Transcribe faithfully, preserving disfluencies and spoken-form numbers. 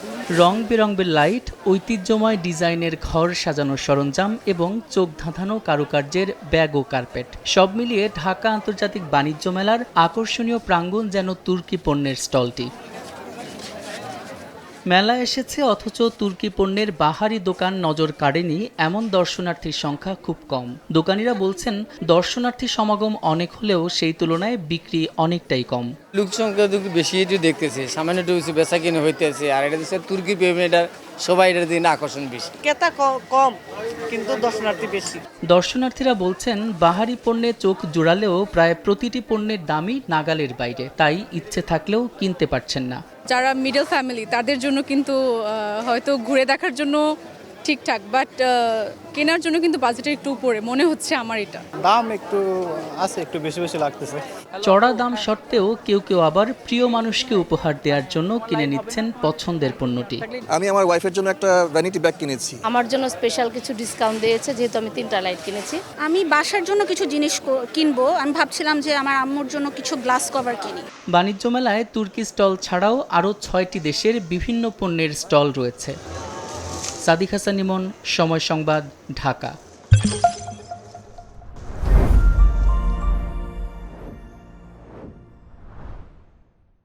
রং বেরঙের লাইট, ঐতিহ্যময় ডিজাইনের ঘর সাজানোর সরঞ্জাম এবং চোখ ধাঁধানো কারুকার্যের ব্যাগ ও কার্পেট সব মিলিয়ে ঢাকা আন্তর্জাতিক বাণিজ্য মেলার আকর্ষণীয় প্রাঙ্গণ যেন তুর্কি পণ্যের স্টলটি। মেলায় এসেছে অথচ তুর্কি পণ্যের বাহারি দোকান নজর কাড়েনি এমন দর্শনার্থীর সংখ্যা খুব কম। দোকানিরা বলছেন দর্শনার্থী সমাগম অনেক হলেও সেই তুলনায় বিক্রি অনেকটাই কম। লোক সংখ্যা বেশি একটু দেখতেছে, সামান্য একটু বেচা কিনে হইতেছে। আর এটা হচ্ছে তুর্কি পেমেন্টার, সবাই এটার দিন আকর্ষণ বেশি। ক্রেতা কম কিন্তু দর্শনার্থী বেশি। দর্শনার্থীরা বলছেন বাহারি পণ্যে চোখ জোড়ালেও প্রায় প্রতিটি পণ্যের দামই নাগালের বাইরে, তাই ইচ্ছে থাকলেও কিনতে পারছেন না। যারা মিডল ফ্যামিলি তাদের জন্য কিন্তু হয়তো ঘুরে দেখার জন্য ঠিকঠাক, বাট কেনার জন্য কিন্তু বাজেটের একটু উপরে মনে হচ্ছে আমার। এটা দাম একটু আছে, একটু বেশি বেশি লাগতেছে। চড়া দাম সত্ত্বেও কেউ কেউ আবার প্রিয় মানুষকে উপহার দেওয়ার জন্য কিনে নিচ্ছেন পছন্দের পণ্যটি। আমি আমার ওয়াইফের জন্য একটা ভ্যানিটি ব্যাগ কিনেছি। আমার জন্য স্পেশাল কিছু ডিসকাউন্ট দিয়েছে যেহেতু আমি তিনটা লাইট কিনেছি। আমি বাসার জন্য কিছু জিনিস কিনবো, আমি ভাবছিলাম যে আমার আম্মুর জন্য কিছু গ্লাস কভার কিনি। বাণিজ্য মেলায় তুর্কি স্টল ছাড়াও আরও ছয়টি দেশের বিভিন্ন পণ্যের স্টল রয়েছে। সাদিক হাসান ইমন, সময় সংবাদ, ঢাকা।